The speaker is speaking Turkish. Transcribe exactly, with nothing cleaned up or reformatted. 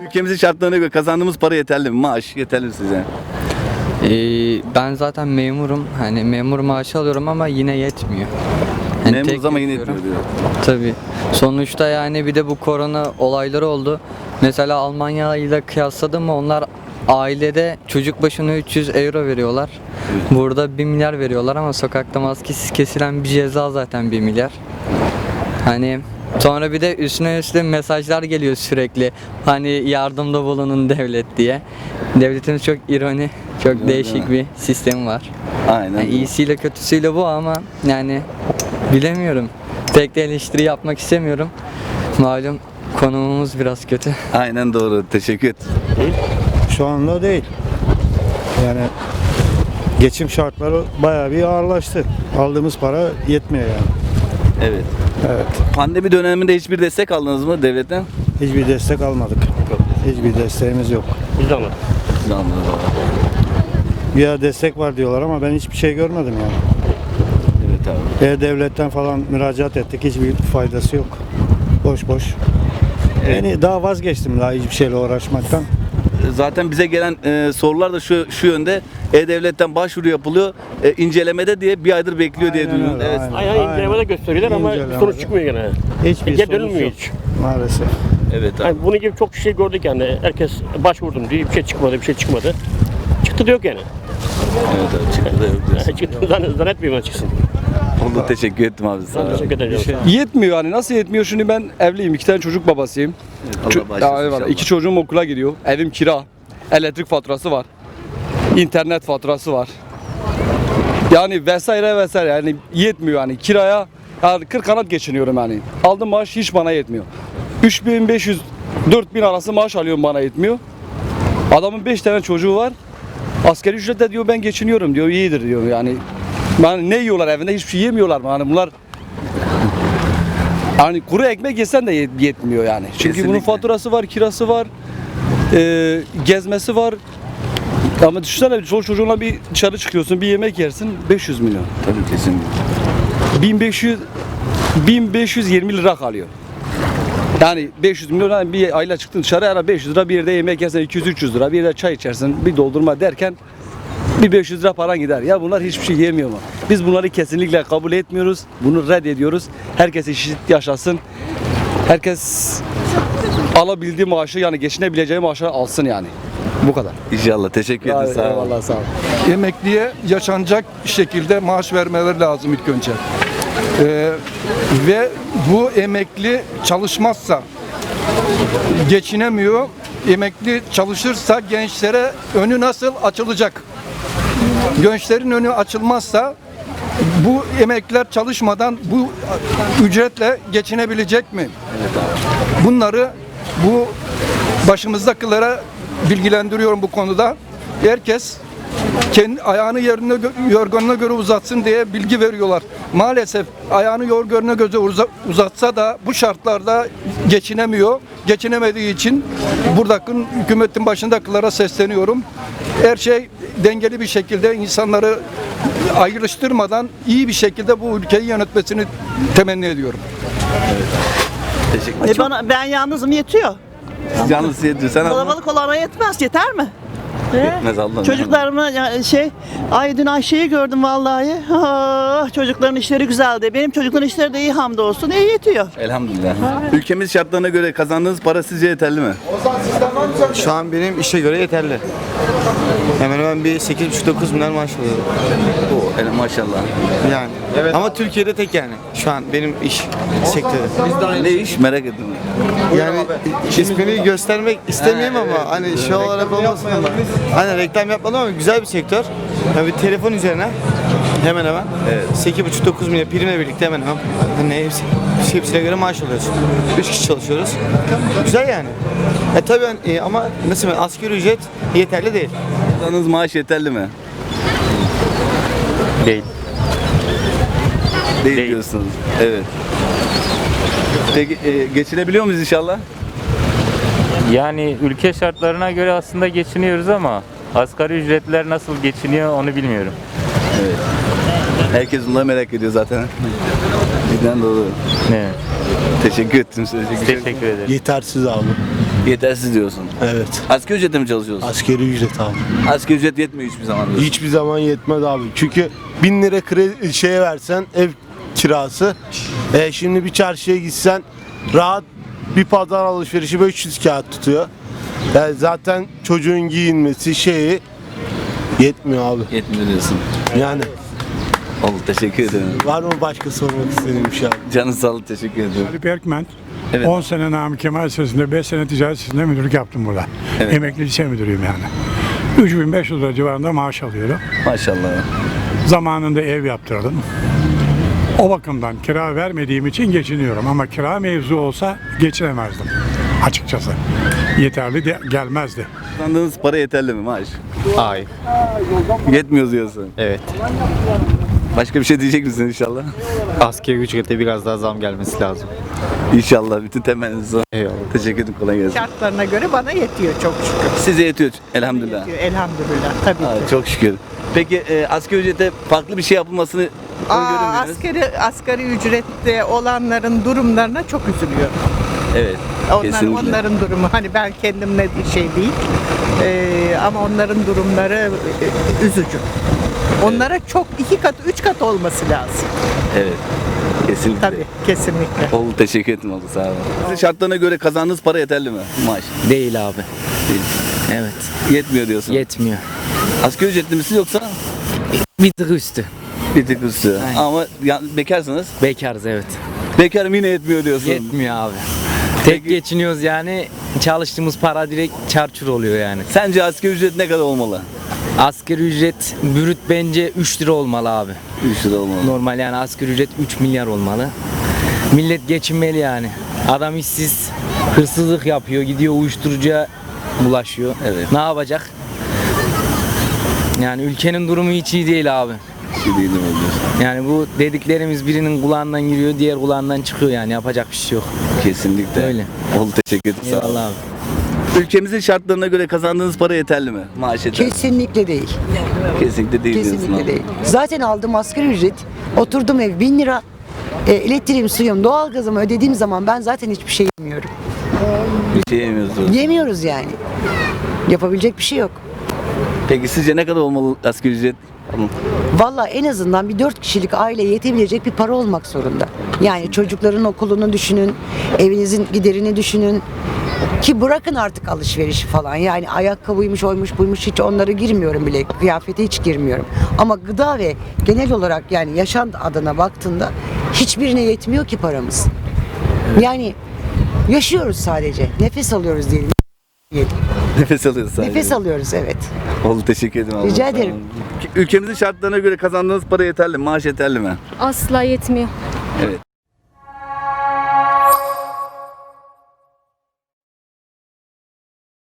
ülkemizin şartlarına göre kazandığımız para yeterli mi? Maaş yeterli mi size? Ee, ben zaten memurum. Hani memur maaşı alıyorum ama yine yetmiyor. Yani Memuruz tek ama yine yapıyorum. yetmiyor diyor. Tabii. Sonuçta yani bir de bu korona olayları oldu. Mesela Almanya ile kıyasladım mı onlar ailede çocuk başına üç yüz euro veriyorlar. Burada bir milyar veriyorlar ama sokakta maskesiz kesilen bir ceza zaten bir milyar. Hani sonra bir de üstüne üstüne mesajlar geliyor sürekli. Hani yardımda bulunun devlet diye. Devletimiz çok ironi, çok Evet, değişik evet. bir sistemi var. Aynen. Yani iyisiyle kötüsüyle bu ama yani bilemiyorum. Tek de eleştiri yapmak istemiyorum. Malum konumumuz biraz kötü. Aynen doğru. Teşekkür et. Şu anda değil. Yani geçim şartları bayağı bir ağırlaştı. Aldığımız para yetmiyor yani. Evet. Evet. Pandemi döneminde hiçbir destek aldınız mı devletten? Hiçbir destek almadık. Hiçbir desteğimiz yok. Biz de almadık. Siz anladınız. Ya destek var diyorlar ama ben hiçbir şey görmedim yani. Evet abi. E-Devlet'ten falan müracaat ettik. Hiçbir faydası yok. Boş boş. Yani daha vazgeçtim daha hiçbir şeyle uğraşmaktan. Zaten bize gelen e, sorular da şu şu yönde. E-Devlet'ten başvuru yapılıyor. E, incelemede diye bir aydır bekliyor diye Aynen duydum. öyle, Evet. aynen. Aynen incelemede gösteriyorlar ama İncelemede. sonuç çıkmıyor gene. Hiçbir Geri sonuç dönülmüyor yok. hiç. Maalesef. Evet abi. Yani bunun gibi çok şey gördük yani. Herkes başvurdum diye bir şey çıkmadı, bir şey çıkmadı. Çıktı da yok yani. Evet abi. Çıktı da yok diyorsun. Çıktı zannet, zannetmiyorum ben çıksın. Oldu, teşekkür ettim abi. Sağ Ben ol. teşekkür ederim. Yetmiyor yani nasıl yetmiyor şimdi ben evliyim iki tane çocuk babasıyım. Allah Ço- bağışlasın Ya, eyvallah. inşallah. İki çocuğum okula gidiyor. Evim kira. Elektrik faturası var. İnternet faturası var. Yani vesaire vesaire yani yetmiyor yani kiraya yani kırk kanat geçiniyorum yani. Aldığım maaş hiç bana yetmiyor. üç bin beş yüz dört bin arası maaş alıyorum bana yetmiyor. Adamın beş tane çocuğu var. Asgari ücretle diyor ben geçiniyorum diyor iyidir diyor yani. Yani ne yiyorlar evinde hiçbir şey yemiyorlar mı? Hani bunlar hani kuru ekmek yesen de yet- yetmiyor yani. Çünkü bunun Kesinlikle. faturası var, kirası var, e, gezmesi var. Ama düşünsene çoluk çocuğunla bir dışarı çıkıyorsun, bir yemek yersin beş yüz milyon. Tabii kesinlikle. bin beş yüz bin beş yüz yirmi lira kalıyor. Yani beş yüz milyon yani bir ayla çıktın dışarı ara beş yüz lira bir yerde yemek yersen iki yüz üç yüz lira bir yerde çay içersin bir doldurma derken bir beş yüz lira paran gider. Ya bunlar hiçbir şey yemiyor mu? Biz bunları kesinlikle kabul etmiyoruz. Bunu reddediyoruz. Herkes eşit yaşasın. Herkes alabildiği maaşı yani geçinebileceği maaşı alsın yani. Bu kadar. İnşallah. Teşekkür ederim. Sağ ol. Eyvallah sağ ol. Emekliye yaşanacak şekilde maaş vermeleri lazım ilk önce. Ee, ve bu emekli çalışmazsa geçinemiyor. Emekli çalışırsa gençlere önü nasıl açılacak? Gençlerin önü açılmazsa bu emekliler çalışmadan bu ücretle geçinebilecek mi? Bunları bu başımızdakilere bilgilendiriyorum bu konuda. Herkes kendi ayağını yerine gö- yorganına göre uzatsın diye bilgi veriyorlar. Maalesef ayağını yorganına göre uza- uzatsa da bu şartlarda geçinemiyor. Geçinemediği için buradaki hükümetin başındakilere sesleniyorum. Her şey dengeli bir şekilde insanları ayrıştırmadan iyi bir şekilde bu ülkeyi yönetmesini temenni ediyorum. Teşekkür E bana, ben yalnızım yetiyor. Siz yalnız yetiyor. Sen abla. Kalabalık olana yetmez. Yeter mi? Yetmez Allah'ım. Çocuklarımı ya şey, ay dün Ayşe'yi gördüm vallahi. Ah, çocukların işleri güzeldi. Benim çocukların işleri de iyi hamdolsun. İyi yetiyor. Elhamdülillah. Ülkemiz şartlarına göre kazandığınız para sizce yeterli mi? Şu an benim işe göre yeterli. Hemen hemen bir sekiz buçuk dokuz milyar maaş alıyorum. Oo, hele maşallah. Yani. Ama Türkiye'de tek yani. Şu an benim iş sektörü. Ne iş merak ettim. Yani ismini göstermek istemeyeyim ama hani şey olarak olmasın ama. Hani reklam yapmadım ama güzel bir sektör. Yani bir telefon üzerine hemen hemen sekiz buçuk dokuz milyar primle birlikte hemen hemen hani hepsi, hepsine göre maaş alıyorsun. üç kişi çalışıyoruz. Güzel yani. E tabii e, ama nasıl ben asgari ücret yeterli değil. Kazandığınız maaş yeterli mi? Değil. Değil, Değil. diyorsunuz. Evet. Peki e, geçinebiliyor muyuz inşallah? Yani ülke şartlarına göre aslında geçiniyoruz ama asgari ücretliler nasıl geçiniyor onu bilmiyorum. Evet. Herkes bunları merak ediyor zaten. Cidden doğru. Evet. Teşekkür ettim. Teşekkür ederim. Teşekkür ederim. Yetersiz abi. Yetersiz diyorsun. Evet. Asgari ücretle mi çalışıyorsun? Askeri ücret abi. Asgari ücret yetmiyor hiçbir zaman diyorsun. Hiçbir zaman yetmez abi. Çünkü bin lira kredi şeye versen ev kirası. E, şimdi bir çarşıya gitsen rahat bir pazar alışverişi beş yüz kağıt tutuyor. Yani zaten çocuğun giyinmesi şeyi yetmiyor abi. Yetmiyor diyorsun. Yani Oldu, teşekkür ederim. var mı başka sormak istediğim bir şey abi? Canın sağ ol, teşekkür ederim. Ali Berkmen. Evet. on sene Namık Kemal Lisesi'nde, beş sene ticaret sitesinde müdürlük yaptım burada. Evet. Emekli lise müdürüyüm yani. üç bin beş yüz lira civarında maaş alıyorum. Maşallah. Zamanında ev yaptırdım. O bakımdan kira vermediğim için geçiniyorum ama kira mevzu olsa geçinemezdim açıkçası. Yeterli de gelmezdi. Kazandığınız para yeterli mi maaş? Hayır. Yetmiyor diyorsun. Evet. Başka bir şey diyecek misin inşallah? Asgari ücrete biraz daha zam gelmesi lazım. İnşallah bütün temenniniz o. Eyvallah. Teşekkür ederim, kolay gelsin. Şartlarına göre bana yetiyor çok şükür. Size yetiyor elhamdülillah. Yetiyor, elhamdülillah tabii Ha, ki. çok şükür. Peki e, asgari ücrete farklı bir şey yapılmasını Aa, öngörür müydünüz? asgari, asgari ücrette olanların durumlarına çok üzülüyorum. Evet. Onlar, Kesinlikle. onların durumu hani ben kendimle şey değil ee, ama onların durumları e, üzücü. Onlara çok iki kat, üç kat olması lazım. Evet. Kesinlikle. Tabii, kesinlikle. Oldu, teşekkür ederim, oldu, sağ olun. Sizin şartlarına göre kazandığınız para yeterli mi? Maaş. Değil abi. Değil. Evet. Yetmiyor diyorsun. Yetmiyor. Asgari ücretli misin yoksa Bir tık üstü. bir tık üstü? Aynen. Ama ya, bekarsınız. Bekarız evet. Bekarım yine yetmiyor diyorsun. Yetmiyor abi. Tek geçiniyoruz yani çalıştığımız para direkt çarçur oluyor yani. Sence asgari ücret ne kadar olmalı? Asgari ücret brüt bence üç lira olmalı abi. üç lira olmalı. Normal yani asgari ücret üç milyar olmalı. Millet geçinmeli yani. Adam işsiz, hırsızlık yapıyor, gidiyor uyuşturucuya bulaşıyor. Evet. Ne yapacak? Yani ülkenin durumu hiç iyi değil abi. Şey değil mi diyorsun? Yani bu dediklerimiz birinin kulağından giriyor, diğer kulağından çıkıyor yani yapacak bir şey yok. Kesinlikle. Öyle. Oldu, teşekkür ederim. Sağ olun. Eyvallah abi. Ülkemizin şartlarına göre kazandığınız para yeterli mi? Maaş yeterli mi? Kesinlikle değil. Kesinlikle değil diyorsun. Kesinlikle abi. değil. Zaten aldığım asgari ücret, oturdum ev bin lira, e, elektriğim, suyum, doğalgazımı ödediğim zaman ben zaten hiçbir şey yemiyorum. Bir şey yemiyorsunuz. Yemiyoruz yani. Yapabilecek bir şey yok. Peki sizce ne kadar olmalı asgari ücret? Vallahi en azından bir dört kişilik aile yetebilecek bir para olmak zorunda. Yani çocukların okulunu düşünün, evinizin giderini düşünün. Ki bırakın artık alışverişi falan. Yani ayakkabıymış, oymuş, buymuş hiç onlara girmiyorum bile. Kıyafete hiç girmiyorum. Ama gıda ve genel olarak yani yaşam adına baktığında hiçbirine yetmiyor ki paramız. Yani yaşıyoruz sadece. Nefes alıyoruz diyelim. Nefes alıyoruz sadece. Nefes alıyoruz evet. Oldu, teşekkür ederim. Rica abla, sağ ederim. olun. Ülkemizin şartlarına göre kazandığınız para yeterli mi? Maaş yeterli mi? Asla yetmiyor. Evet.